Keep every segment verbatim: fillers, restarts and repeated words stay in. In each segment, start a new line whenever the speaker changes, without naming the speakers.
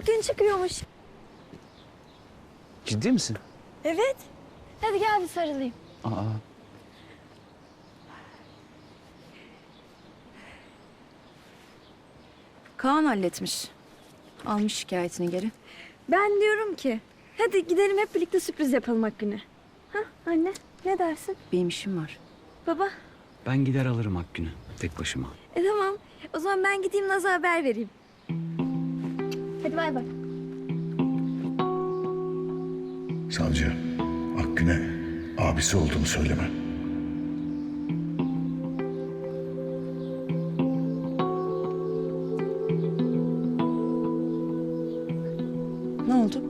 Akgün çıkıyormuş.
Ciddi misin?
Evet. Hadi gel bir sarılayım.
Aa.
Kaan halletmiş. Almış şikayetini geri.
Ben diyorum ki hadi gidelim hep birlikte sürpriz yapalım Akgün'e. Ha anne ne dersin?
Benim işim var.
Baba.
Ben gider alırım Akgün'ü tek başıma.
E tamam. O zaman ben gideyim Naz'a haber vereyim. Hadi bay bay.
Savcı, Akgün'e abisi olduğunu söyleme.
Ne oldu?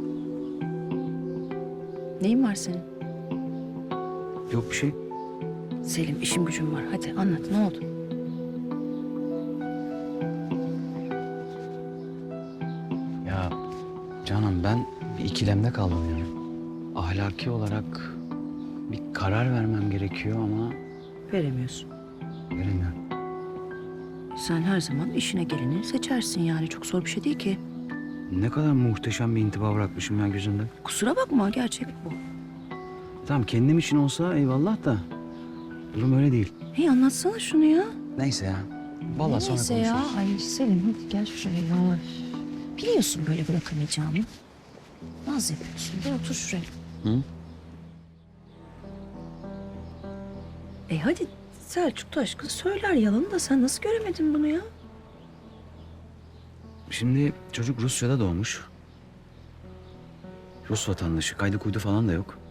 Neyin var senin?
Yok bir şey.
Selim, işim gücüm var. Hadi anlat, ne oldu?
Ya Canan, ben bir ikilemde kaldım yani. Ahlaki olarak bir karar vermem gerekiyor ama
Veremiyorsun.
veremiyorum.
Sen her zaman işine geleni seçersin yani. Çok zor bir şey değil ki.
Ne kadar muhteşem bir intiba bırakmışım ya gözünde.
Kusura bakma, gerçek bu.
Tamam, kendim için olsa eyvallah da durum öyle değil.
Hey, anlatsana şunu ya.
Neyse ya. Vallahi sonra
Neyse
konuşuruz.
ya. Ay Selim, hadi gel şuraya ya. Biliyorsun böyle bırakamayacağımı. Naz yapıyorsun. Gel otur şuraya.
Hı?
E hadi Selçuk Taşkın söyler yalanı da sen nasıl göremedin bunu ya?
Şimdi çocuk Rusya'da doğmuş. Rus vatandaşı, kaydı kuydu falan da yok.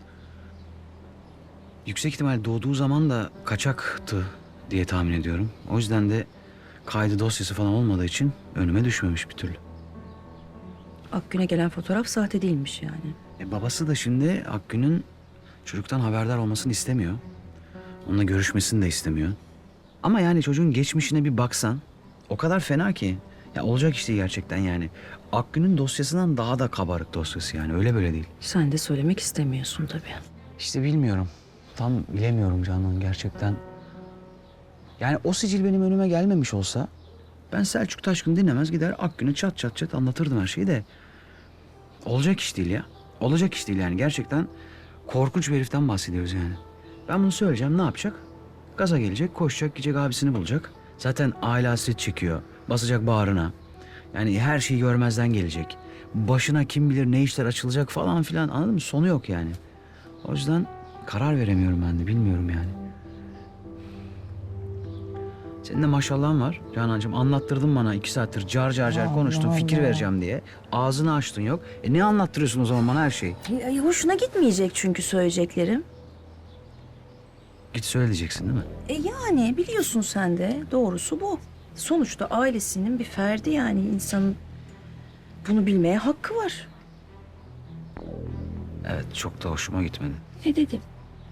Yüksek ihtimal doğduğu zaman da kaçaktı diye tahmin ediyorum. O yüzden de kaydı dosyası falan olmadığı için önüme düşmemiş bir türlü.
Akgün'e gelen fotoğraf sahte değilmiş yani.
E babası da şimdi Akgün'ün çocuktan haberdar olmasını istemiyor. Onunla görüşmesini de istemiyor. Ama yani çocuğun geçmişine bir baksan o kadar fena ki. Ya olacak iş değil gerçekten yani. Akgün'ün dosyasından daha da kabarık dosyası yani, öyle böyle değil.
Sen de söylemek istemiyorsun tabii.
İşte bilmiyorum. Tam bilemiyorum Canan gerçekten. Yani o sicil benim önüme gelmemiş olsa ben Selçuk Taşkın dinlemez gider Akgün'e çat çat çat anlatırdım her şeyi de. Olacak iş değil ya. Olacak iş değil yani, gerçekten korkunç bir heriften bahsediyoruz yani. Ben bunu söyleyeceğim, ne yapacak? Gaza gelecek, koşacak, gidecek abisini bulacak. Zaten aile hasret çekiyor. Basacak bağrına. Yani her şeyi görmezden gelecek. Başına kim bilir ne işler açılacak falan filan, anladın mı? Sonu yok yani. O yüzden karar veremiyorum ben de, bilmiyorum yani. Senin de maşallahın var Canancığım. Anlattırdın bana iki saattir car car car konuştun, fikir vereceğim diye. Ağzını açtın yok. E ne anlattırıyorsun o zaman bana her şeyi?
Ay, hoşuna gitmeyecek çünkü söyleyeceklerim.
Git söyle diyeceksin değil mi?
E yani biliyorsun sen de doğrusu bu. Sonuçta ailesinin bir ferdi yani insanın bunu bilmeye hakkı var.
Evet, çok da hoşuma gitmedi.
Ne dedim?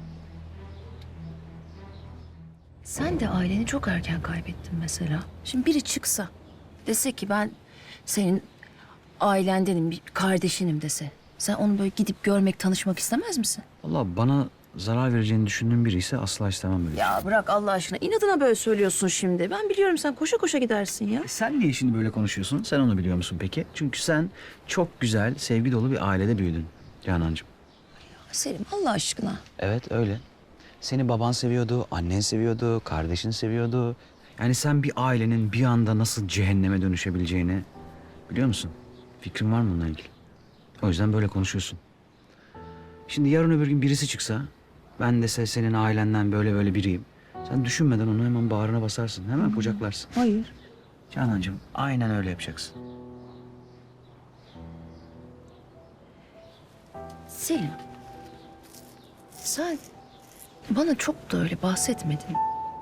Sen de aileni çok erken kaybettin mesela. Şimdi biri çıksa dese ki ben senin ailendenim, bir kardeşinim dese. Sen onu böyle gidip görmek, tanışmak istemez misin?
Vallahi bana zarar vereceğini düşündüğüm biri ise asla istemem böyle.
Ya bırak Allah aşkına. İnadına böyle söylüyorsun şimdi. Ben biliyorum sen koşa koşa gidersin ya.
E sen niye şimdi böyle konuşuyorsun? Sen onu biliyor musun peki? Çünkü sen çok güzel, sevgi dolu bir ailede büyüdün Canancığım.
Selim Allah aşkına.
Evet, öyle. Seni baban seviyordu, annen seviyordu, kardeşin seviyordu. Yani sen bir ailenin bir anda nasıl cehenneme dönüşebileceğini biliyor musun? Fikrin var mı bununla ilgili? O yüzden böyle konuşuyorsun. Şimdi yarın öbür gün birisi çıksa, ben dese senin ailenden böyle böyle biriyim. Sen düşünmeden onu hemen bağrına basarsın, hemen kucaklarsın.
Hayır.
Canancığım, aynen öyle yapacaksın.
Selim. Sen bana çok da öyle bahsetmedin.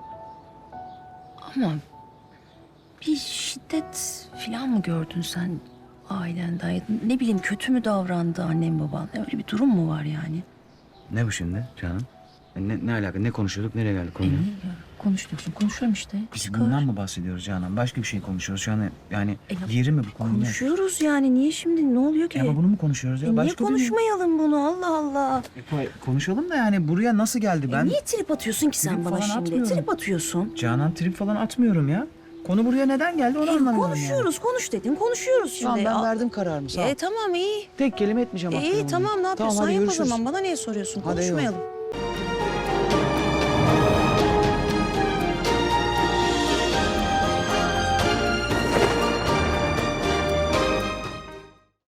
Ama bir şiddet falan mı gördün sen ailenden? Ya da ne bileyim kötü mü davrandı annem baban? Öyle bir durum mu var yani?
Ne bu şimdi Canan? Ne, ne alaka? Ne konuşuyorduk? Nereye geldik
E,
konuya?
niye ya? Konuşuyorsun. Konuşuyorum işte.
Biz
Çıkar.
bundan mı bahsediyoruz Canan? Başka bir şey konuşuyoruz. Şu an yani
E, ya-
yeri mi bu konu? ne?
Konuşuyoruz yani. Niye şimdi? Ne oluyor ki?
Ya ama bunu mu konuşuyoruz ya?
E, niye
Başka bir-
konuşmayalım bunu? Allah Allah.
E, konuşalım da yani buraya nasıl geldi
E,
ben?
niye trip atıyorsun ki sen
Trip
bana
falan
şimdi?
atmıyorum.
Trip atıyorsun.
Canan, trip falan atmıyorum ya. Konu buraya neden geldi onu
E,
anlamıyorum
konuşuyoruz, konuş dedin, konuşuyoruz
yani.
şimdi.
Tamam ben
Aa,
verdim kararımı sağ ol.
E, tamam iyi.
Tek kelime etmeyeceğim
E,
hakkında.
iyi tamam ne yapıyorsan
hadi
yap o
görüşürüz.
zaman. Bana niye soruyorsun?
Hadi eyvallah.
Konuşmayalım.